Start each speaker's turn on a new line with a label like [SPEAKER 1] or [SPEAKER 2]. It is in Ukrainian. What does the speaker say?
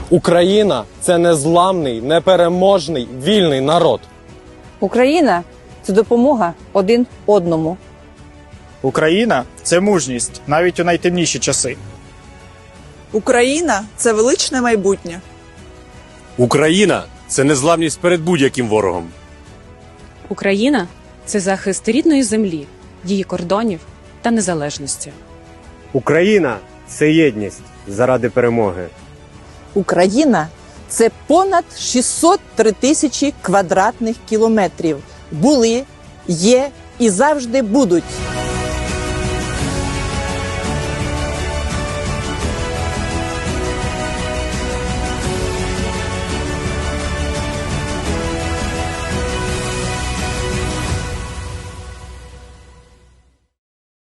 [SPEAKER 1] Україна – це незламний, непереможний, вільний народ.
[SPEAKER 2] Україна – це допомога один одному.
[SPEAKER 3] Україна – це мужність, навіть у найтемніші часи.
[SPEAKER 4] Україна – це величне майбутнє.
[SPEAKER 5] Україна – це незламність перед будь-яким ворогом.
[SPEAKER 6] Україна – це захист рідної землі, її кордонів та незалежності.
[SPEAKER 7] Україна – це єдність заради перемоги.
[SPEAKER 8] Україна – це понад 603 тисячі квадратних кілометрів. Були, є і завжди будуть.